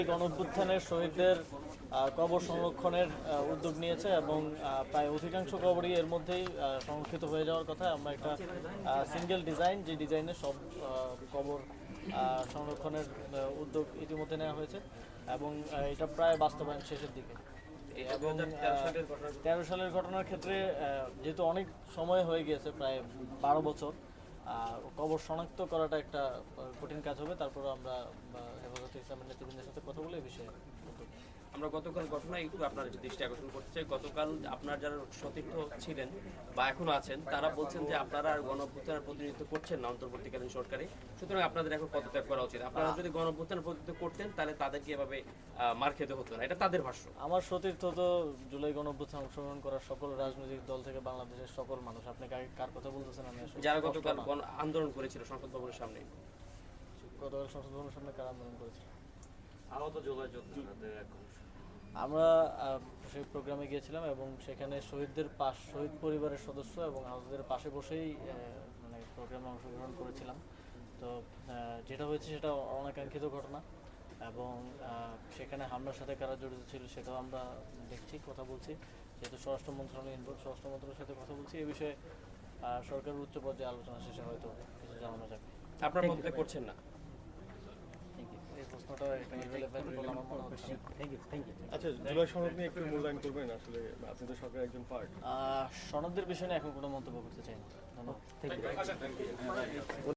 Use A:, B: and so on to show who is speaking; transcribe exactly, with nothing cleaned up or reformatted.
A: গণঅভ্যুত্থানের শহীদদের কবর সংরক্ষণের উদ্যোগ নিয়েছে এবং প্রায় অধিকাংশ কবরই এর মধ্যেই সংরক্ষিত হয়ে যাওয়ার কথা। আমরা একটা সিঙ্গেল ডিজাইন, যে ডিজাইনে সব কবর সংরক্ষণের উদ্যোগ ইতিমধ্যে নেওয়া হয়েছে এবং এটা প্রায় বাস্তবায়ন শেষের দিকে। এবং তেরো সালের ঘটনার ক্ষেত্রে যেহেতু অনেক সময় হয়ে গিয়েছে, প্রায় বারো বছর, কবর শনাক্ত করাটা একটা কঠিন কাজ হবে। তারপরে আমরা হেফাজতে ইসলামের নেতৃবৃন্দের সাথে কথা বলে এই বিষয়ে
B: আমরা গতকাল ঘটনা একটু আপনার দৃষ্টি আকর্ষণ করতে চাই। গতকাল আপনার যারা সতীর্থ ছিলেন বা এখনো আছেন, তারা বলছেন যে আপনারা আর গণঅভ্যুত্থানের প্রতিনিধিত্ব করছেন না অন্তর্বর্তীকালীন সরকারে, সুতরাং আপনাদের এখন পদত্যাগ করা উচিত। আপনারা যদি গণঅভ্যুত্থানের প্রতিনিধিত্ব করতেন তাহলে তাদেরকে এভাবে মার খেতে হতো না, এটা তাদের ভাষ্য।
A: আমার সতীর্থ তো জুলাই গণঅভ্যুত্থানে অংশগ্রহণ করার সকল রাজনৈতিক দল থেকে বাংলাদেশের সকল মানুষ। আপনি কার কথা বলতেছেন? আমি
B: যারা গতকাল আন্দোলন করেছিল সংসদ ভবনের সামনে,
A: গতকাল সংসদ ভবনের সামনে কারা আন্দোলন করেছিল?
B: আহত জুলাই
A: আমরা সেই প্রোগ্রামে গিয়েছিলাম এবং সেখানে শহীদদের পাশ শহীদ পরিবারের সদস্য এবং আহতদের পাশে বসেই মানে প্রোগ্রামে অংশগ্রহণ করেছিলাম। তো যেটা হয়েছে সেটা অনাকাঙ্ক্ষিত ঘটনা এবং সেখানে হামলার সাথে কারা জড়িত ছিল সেটাও আমরা দেখছি, কথা বলছি। যেহেতু স্বরাষ্ট্র মন্ত্রণালয় ইনভলভ, স্বরাষ্ট্র মন্ত্রণালয়ের সাথে কথা বলছি এই বিষয়ে। সরকারের উচ্চ পর্যায়ে আলোচনা শেষে হয়তো কিছু জানানো যাবে।
B: আপনার পদত্যাগ করছেন না?
C: আচ্ছা, জুলাই সনদ নিয়ে একটু মূল্যায়ন করবেন। আসলে আপনি তো সরকারের একজন পার্ট।
A: সনদের বিষয়ে এখন কোনো মন্তব্য করতে চাই না। ধন্যবাদ।